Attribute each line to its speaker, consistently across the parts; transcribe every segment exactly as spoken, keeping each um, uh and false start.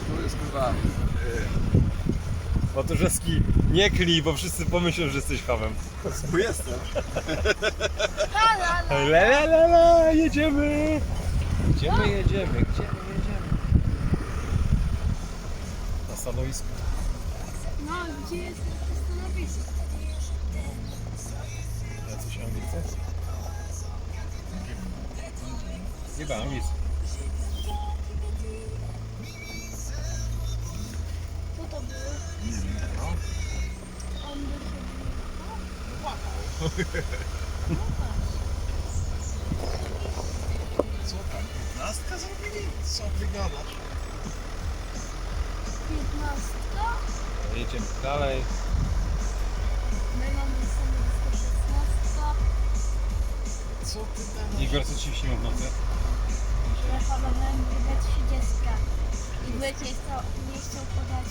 Speaker 1: Tu jest kurwa...
Speaker 2: Matuszewski, nie klij, bo wszyscy pomyślą, że jesteś hamem.
Speaker 1: Tu jestem.
Speaker 2: La la la la, jedziemy! Gdzie my jedziemy? Gdzie my jedziemy? Na stanowisku.
Speaker 3: No, gdzie jest stanowisko?
Speaker 2: Jacyś Anglicy? Chyba Anglicy.
Speaker 3: Co to było?
Speaker 1: Nie wiem, no.
Speaker 3: On by
Speaker 1: Co tam? piętnastka zrobili? Co ty gadasz?
Speaker 3: piętnastka?
Speaker 2: Jedziemy dalej.
Speaker 3: My mamy stanowisko szesnastka.
Speaker 1: Co ty tam?
Speaker 2: Igor, co ci śniło w nocy?
Speaker 3: Ja planowałem wydać trzydziestka. I byłek nie chciał, nie chciał podać...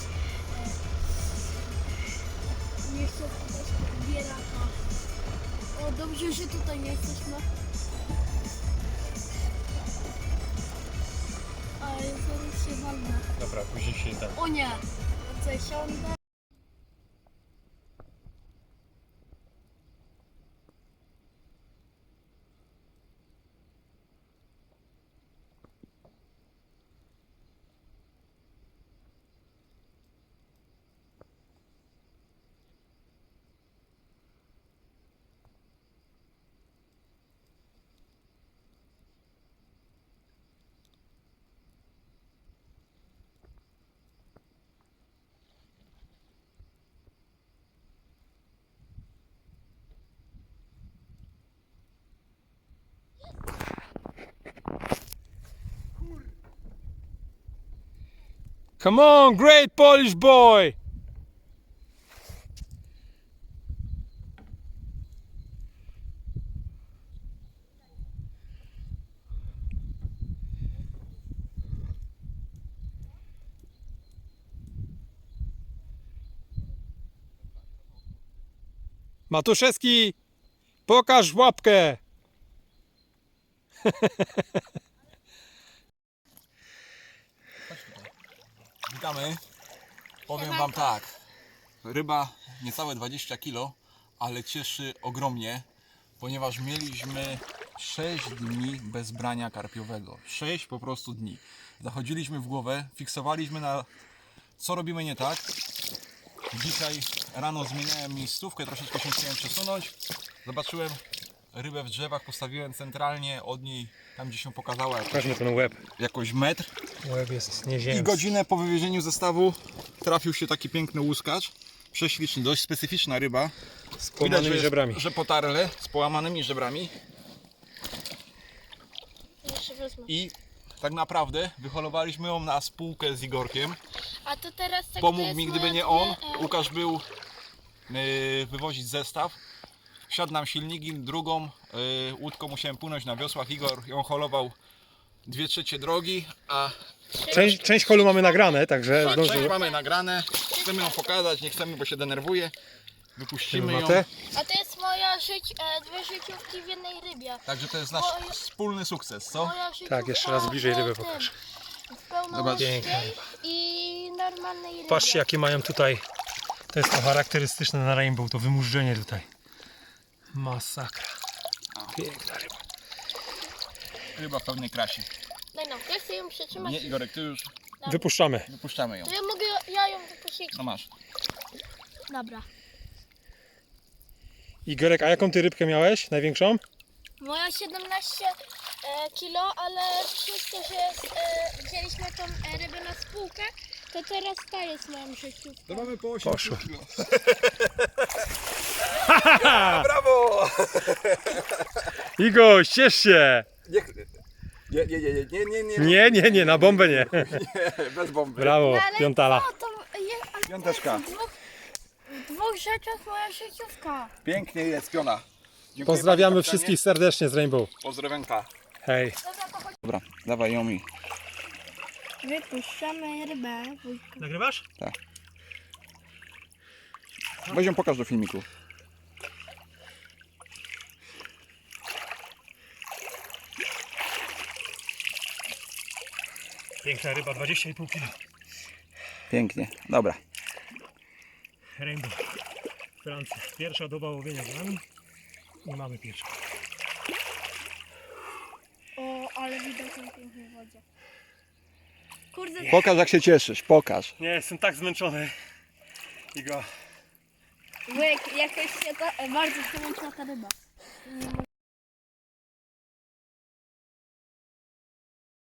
Speaker 3: E, nie chciał podać bieraka. O, dobrze, że tutaj nie jesteśmy. Ale zaraz się walnę.
Speaker 2: Dobra, później się tak.
Speaker 3: O nie! Co, siądę?
Speaker 2: Come on, great Polish boy! Matuszewski, pokaż łapkę!
Speaker 1: Witamy. Powiem wam tak. Ryba niecałe dwadzieścia kilo, ale cieszy ogromnie, ponieważ mieliśmy sześć dni bez brania karpiowego. sześć po prostu dni. Zachodziliśmy w głowę, fiksowaliśmy na co robimy nie tak. Dzisiaj rano zmieniałem miejscówkę, troszeczkę się chciałem przesunąć. Zobaczyłem rybę w drzewach, postawiłem centralnie od niej, tam gdzie się pokazała jakoś,
Speaker 2: Pokażmy ten łeb.
Speaker 1: jakoś metr.
Speaker 2: Łeb jest
Speaker 1: I
Speaker 2: nieziemski.
Speaker 1: godzinę po wywiezieniu zestawu trafił się taki piękny łuskacz. Prześliczny, dość specyficzna ryba.
Speaker 2: Z połamanymi
Speaker 1: jest-
Speaker 2: żebrami.
Speaker 1: że potarle, z połamanymi żebrami.
Speaker 3: Jeszcze wezmę.
Speaker 1: I tak naprawdę wyholowaliśmy ją na spółkę z Igorkiem.
Speaker 3: A to teraz tak to
Speaker 1: Pomógł
Speaker 3: jest
Speaker 1: mi, gdyby
Speaker 3: moja
Speaker 1: nie
Speaker 3: dwie,
Speaker 1: on.
Speaker 3: e,
Speaker 1: Łukasz był yy, wywozić zestaw. Wsiadł nam silniki, drugą yy, łódką musiałem płynąć na wiosłach. Igor ją holował dwie trzecie drogi, a
Speaker 2: Część, część holu mamy nagrane, także
Speaker 1: tak, część
Speaker 2: zdążymy.
Speaker 1: mamy nagrane. Chcemy ją pokazać, nie chcemy, bo się denerwuje. Wypuścimy ją.
Speaker 2: Matę.
Speaker 3: A to jest moja żyć, e, dwie życiówki w jednej rybie.
Speaker 1: Także to jest nasz
Speaker 3: Moje-
Speaker 1: wspólny sukces, co?
Speaker 3: Moja życiówka
Speaker 2: Tak, jeszcze raz bliżej rybę
Speaker 3: w tym,
Speaker 2: pokaż.
Speaker 3: W pełnoletniej
Speaker 2: Piękna
Speaker 3: i normalnej rybie.
Speaker 2: Patrzcie, jakie mają tutaj. To jest to charakterystyczne na Rainbow, to wymurzenie tutaj. Masakra. Piękna ryba.
Speaker 1: Ryba w pełnej krasie.
Speaker 3: Daj no, ja chcę ją przytrzymać.
Speaker 1: Nie, Igorek, ty już
Speaker 2: Wypuszczamy.
Speaker 1: wypuszczamy ją.
Speaker 3: To ja mogę, ja ją wypuścić.
Speaker 1: No masz.
Speaker 3: Dobra.
Speaker 2: Igorek, a jaką ty rybkę miałeś? Największą?
Speaker 3: Moja siedemnaście e, kilo, ale przez to, że e, wzięliśmy tą e, rybę na spółkę, to teraz ta jest moją życiówką.
Speaker 1: To mamy po osiemdziesiąt
Speaker 2: Poszło.
Speaker 1: kilo. Brawo!
Speaker 2: Igor, ciesz się!
Speaker 1: Nie, nie, nie, nie, nie, nie, nie,
Speaker 2: Nie, nie, nie, na bombę nie.
Speaker 1: nie, bez bomby.
Speaker 2: Brawo,
Speaker 3: No ale
Speaker 2: piątala.
Speaker 3: co, to jest, ale
Speaker 1: Piąteczka.
Speaker 3: w dwóch, w dwóch rzeczach moja życiówka.
Speaker 1: Pięknie jest, piona. Dziękuję,
Speaker 2: Pozdrawiamy
Speaker 1: panie kapitanie.
Speaker 2: wszystkich serdecznie z Rainbow.
Speaker 1: Pozdrowionka.
Speaker 2: Hej.
Speaker 3: Dobra, to chodź.
Speaker 1: Dobra, dawaj ją mi.
Speaker 3: Wypuszczamy rybę. Wujku.
Speaker 2: Nagrywasz?
Speaker 1: Weź ją pokaż do filmiku.
Speaker 2: Piękna ryba, dwadzieścia i pół kilo.
Speaker 1: Pięknie, dobra.
Speaker 2: Rainbow. Francja. Pierwsza doba łowienia z nami. I mamy pierwszą.
Speaker 3: O, ale widać na pięknej wodzie. Kurde,
Speaker 1: Pokaż jak się cieszysz, pokaż.
Speaker 2: Nie, jestem tak zmęczony. I go.
Speaker 3: łyk, jakoś się ta, bardzo przemęczyła ta ryba. Nie mogę